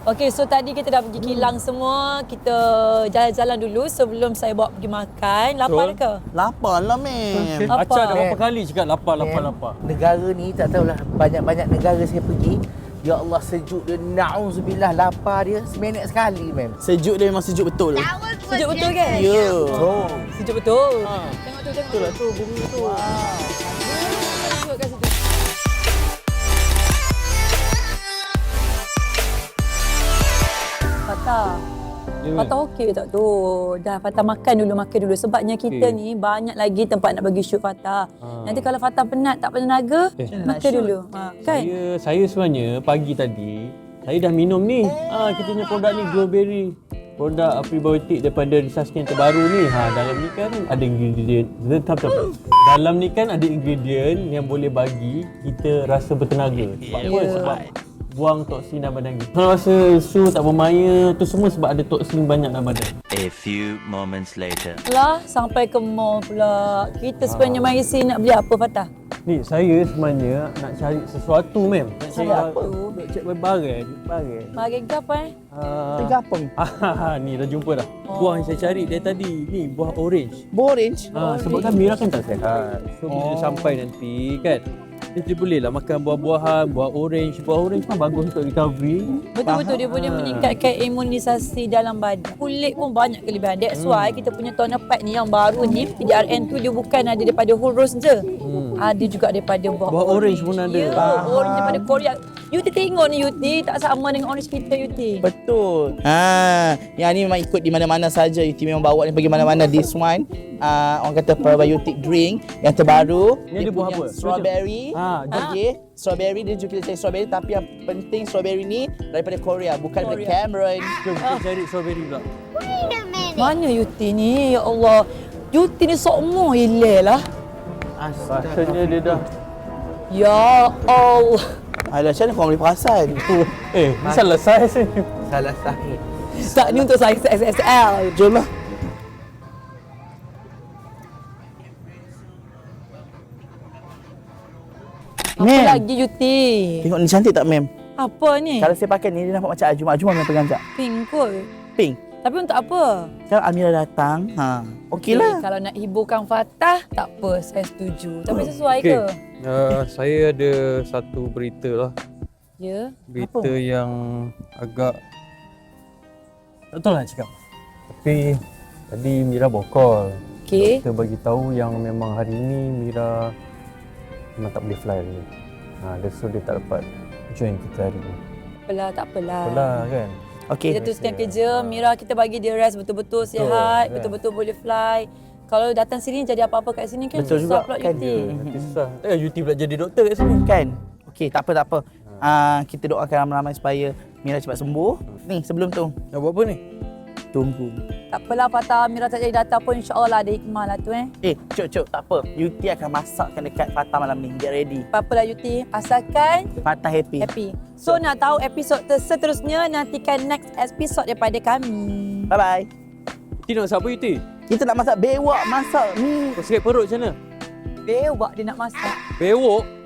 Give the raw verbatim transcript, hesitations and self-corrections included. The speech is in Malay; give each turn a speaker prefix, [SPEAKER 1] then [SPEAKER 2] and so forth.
[SPEAKER 1] Okey, so tadi kita dah pergi kilang semua. Kita jalan-jalan dulu sebelum saya bawa pergi makan. Lapar
[SPEAKER 2] Betul.
[SPEAKER 1] ke?
[SPEAKER 3] Lapar lah, mem.
[SPEAKER 1] Apa?
[SPEAKER 2] Acah dah berapa
[SPEAKER 4] Mem.
[SPEAKER 2] kali cakap lapar, lapar,
[SPEAKER 4] Mem,
[SPEAKER 2] lapar.
[SPEAKER 4] Negara ni tak tahulah, banyak-banyak negara saya pergi. Ya Allah, sejuk dia, na'udzubillah, lapar dia seminit sekali, mem.
[SPEAKER 3] Sejuk dia memang sejuk betul.
[SPEAKER 1] Sejuk betul kan?
[SPEAKER 3] Ya.
[SPEAKER 4] Oh.
[SPEAKER 1] Sejuk betul.
[SPEAKER 2] Ha.
[SPEAKER 1] Tengok tu, tengok
[SPEAKER 2] Betul lah tu, bumi tu.
[SPEAKER 1] Wow. Tengok kat situ. Fatah.
[SPEAKER 2] Ya,
[SPEAKER 1] Fatah okey tak tu? Dah Fatah makan dulu, makan dulu. Sebabnya kita
[SPEAKER 2] Okey.
[SPEAKER 1] ni banyak lagi tempat nak bagi shoot Fatah.
[SPEAKER 2] Ah.
[SPEAKER 1] Nanti kalau Fatah penat, tak tenaga,
[SPEAKER 2] Eh.
[SPEAKER 1] makan dulu. Ha, kan?
[SPEAKER 2] Saya, saya sebenarnya pagi tadi, saya dah minum ni. Ah, kita punya produk ni, Glowberry. Produk prebiotik daripada research yang terbaru ni. Ha, dalam ni kan ada ingredient. Tetap, tetap. Dalam ni kan ada ingredient yang boleh bagi kita rasa bertenaga. Sebab apa?
[SPEAKER 1] Ya.
[SPEAKER 2] Sebab buang toksin dalam badan kita. Kalau rasa su tak bermaya, tu semua sebab ada toksin banyak dalam badan.
[SPEAKER 5] A few moments later.
[SPEAKER 1] Lah, sampai ke mall pula. Kita sebenarnya mari sini nak beli apa, Fatah?
[SPEAKER 2] Ni saya sebenarnya nak cari sesuatu mem. Nak cari
[SPEAKER 1] Sesuatu?
[SPEAKER 2] Nak cari barang, barang.
[SPEAKER 1] Mari ke apa eh?
[SPEAKER 2] Ah,
[SPEAKER 4] Tiga apa?
[SPEAKER 2] ah, ni dah jumpa dah.
[SPEAKER 1] Oh.
[SPEAKER 2] Buah yang saya cari dari tadi. Ni buah orange.
[SPEAKER 4] Orange.
[SPEAKER 2] Ha, sebab kan Mira kan tak sihat. So bila dia sampai nanti kan, dia boleh lah makan buah-buahan, buah orange. Buah orange kan bagus untuk recovery.
[SPEAKER 1] Betul-betul dia boleh meningkatkan imunisasi dalam badan. Kulit pun banyak kelebihan. That's why kita punya toner pack ni yang baru ni, P D R N tu dia bukan ada daripada whole rose je.
[SPEAKER 2] Hmm.
[SPEAKER 1] Ada juga daripada buah,
[SPEAKER 2] Buah orange pun ada.
[SPEAKER 1] Ya, orange daripada Korea. Yuti tengok ni Yuti, tak sama dengan orange kita Yuti.
[SPEAKER 3] Betul. Ha, yang ni memang ikut di mana-mana saja. Yuti memang bawa ni pergi mana-mana. This one, uh, orang kata probiotic drink yang terbaru.
[SPEAKER 2] Ni ada buah
[SPEAKER 3] punya
[SPEAKER 2] apa?
[SPEAKER 3] Strawberry.
[SPEAKER 2] Ha,
[SPEAKER 3] Okey, strawberry dia juga kita cari strawberry, tapi yang penting strawberry ni daripada Korea, bukan daripada
[SPEAKER 1] Korea.
[SPEAKER 3] Cameron.
[SPEAKER 2] jom kita cari strawberry pula.
[SPEAKER 1] Mana Yuti ni? Ya Allah. Yuti ni sokmo hilal lah.
[SPEAKER 2] Rasanya dia dah.
[SPEAKER 1] Ya Allah.
[SPEAKER 3] Alah, macam mana kau boleh perasan?
[SPEAKER 2] Eh, ni salah saiz ni.
[SPEAKER 4] Salah sahih.
[SPEAKER 1] Tak ni untuk saya X S L.
[SPEAKER 3] Jom lah.
[SPEAKER 1] Apa
[SPEAKER 3] Mem.
[SPEAKER 1] lagi Yuti?
[SPEAKER 3] Tengok ni cantik tak, Mem?
[SPEAKER 1] Apa ni?
[SPEAKER 3] Kalau saya pakai ni, dia nampak macam Ajuma. Ajuma Mem pegang sekejap.
[SPEAKER 1] Pink kot.
[SPEAKER 3] Pink.
[SPEAKER 1] Tapi untuk apa?
[SPEAKER 3] Kalau Amira datang, ha, okey lah.
[SPEAKER 1] Kalau nak hiburkan Fatah, tak apa, saya setuju. Tapi sesuai
[SPEAKER 2] Okey.
[SPEAKER 1] ke?
[SPEAKER 2] Uh, saya ada satu berita lah.
[SPEAKER 1] Ya.
[SPEAKER 2] Berita Apa? yang agak tak tahu lah nak cakap. Tapi tadi Mira bokol.
[SPEAKER 1] Okey.
[SPEAKER 2] Kita bagi tahu yang memang hari ini Mira memang tak boleh fly lagi. Ha, dia so dia tak dapat join kita hari ni.
[SPEAKER 1] Apalah, tak apalah.
[SPEAKER 2] Apalah kan.
[SPEAKER 3] Okey.
[SPEAKER 1] Kita teruskan kerja. Mira kita bagi dia rest betul-betul sihat,
[SPEAKER 2] kan?
[SPEAKER 1] betul-betul boleh fly. Kalau datang sini jadi apa-apa kat sini kan
[SPEAKER 3] Betul
[SPEAKER 1] susah
[SPEAKER 3] juga,
[SPEAKER 1] pula
[SPEAKER 3] kan?
[SPEAKER 1] Yuti.
[SPEAKER 2] Nanti susah. Takkan Yuti pula jadi doktor kat sini.
[SPEAKER 3] Kan? Okey, tak apa, tak apa. Uh, kita doakan ramai-ramai supaya Mira cepat sembuh. Ni, sebelum tu,
[SPEAKER 2] Nak buat apa ni?
[SPEAKER 3] tunggu.
[SPEAKER 1] Tak apalah Fatah, Mira tak jadi datang pun insya-Allah lah ada hikmah lah tu eh.
[SPEAKER 3] Eh, cuk, cuk, tak apa. Yuti akan masakkan dekat Fatah malam ni. Get ready.
[SPEAKER 1] Apa-apalah Yuti, asalkan
[SPEAKER 3] Fatah happy.
[SPEAKER 1] happy. So nak tahu episod seterusnya, nantikan next episode daripada kami.
[SPEAKER 3] Bye-bye.
[SPEAKER 2] Yuti nak masak apa Yuti?
[SPEAKER 3] Kita nak masak bewak, masak mi.
[SPEAKER 2] Kau sakit perut macam mana?
[SPEAKER 1] Bewak dia nak masak.
[SPEAKER 2] Bewok?